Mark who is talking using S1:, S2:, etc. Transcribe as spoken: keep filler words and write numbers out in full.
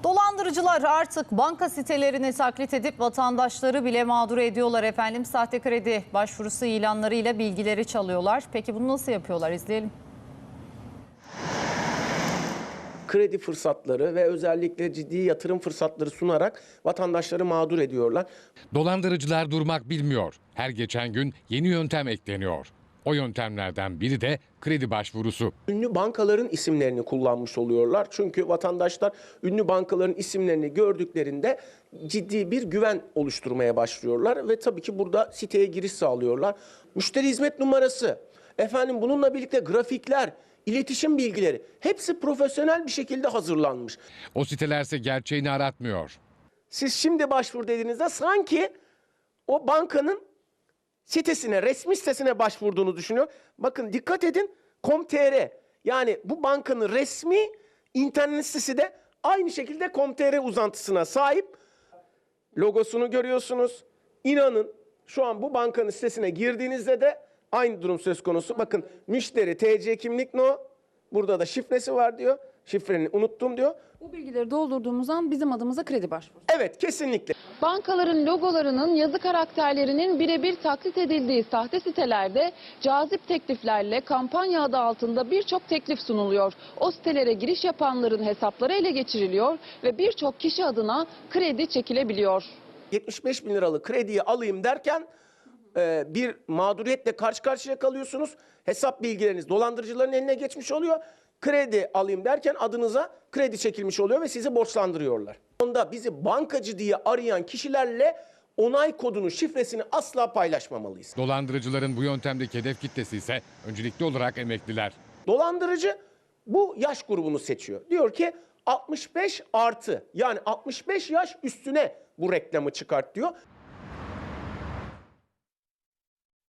S1: Dolandırıcılar artık banka sitelerini taklit edip vatandaşları bile mağdur ediyorlar efendim. Sahte kredi başvurusu ilanlarıyla bilgileri çalıyorlar. Peki bunu nasıl yapıyorlar? İzleyelim.
S2: Kredi fırsatları ve özellikle ciddi yatırım fırsatları sunarak vatandaşları mağdur ediyorlar.
S3: Dolandırıcılar durmak bilmiyor. Her geçen gün yeni yöntem ekleniyor. O yöntemlerden biri de kredi başvurusu.
S2: Ünlü bankaların isimlerini kullanmış oluyorlar. Çünkü vatandaşlar ünlü bankaların isimlerini gördüklerinde ciddi bir güven oluşturmaya başlıyorlar. Ve tabii ki burada siteye giriş sağlıyorlar. Müşteri hizmet numarası, efendim bununla birlikte grafikler, iletişim bilgileri hepsi profesyonel bir şekilde hazırlanmış.
S3: O sitelerse gerçeğini aratmıyor.
S2: Siz şimdi başvur dediğinizde sanki o bankanın sitesine, resmi sitesine başvurduğunu düşünüyor. Bakın dikkat edin, .com.tr yani bu bankanın resmi internet sitesi de aynı şekilde .com.tr uzantısına sahip. Logosunu görüyorsunuz. İnanın şu an bu bankanın sitesine girdiğinizde de aynı durum söz konusu. Bakın müşteri T C kimlik no, burada da şifresi var diyor. Şifreni unuttum diyor.
S4: Bu bilgileri doldurduğumuz an bizim adımıza kredi başvurusu.
S2: Evet, kesinlikle.
S5: Bankaların logolarının yazı karakterlerinin birebir taklit edildiği sahte sitelerde cazip tekliflerle kampanya adı altında birçok teklif sunuluyor. O sitelere giriş yapanların hesapları ele geçiriliyor ve birçok kişi adına kredi çekilebiliyor.
S2: yetmiş beş bin liralık krediyi alayım derken e, bir mağduriyetle karşı karşıya kalıyorsunuz. Hesap bilgileriniz dolandırıcıların eline geçmiş oluyor. Kredi alayım derken adınıza kredi çekilmiş oluyor ve sizi borçlandırıyorlar. Onda bizi bankacı diye arayan kişilerle onay kodunu, şifresini asla paylaşmamalıyız.
S3: Dolandırıcıların bu yöntemdeki hedef kitlesi ise öncelikli olarak emekliler.
S2: Dolandırıcı bu yaş grubunu seçiyor. Diyor ki altmış beş artı, yani altmış beş yaş üstüne bu reklamı çıkart diyor.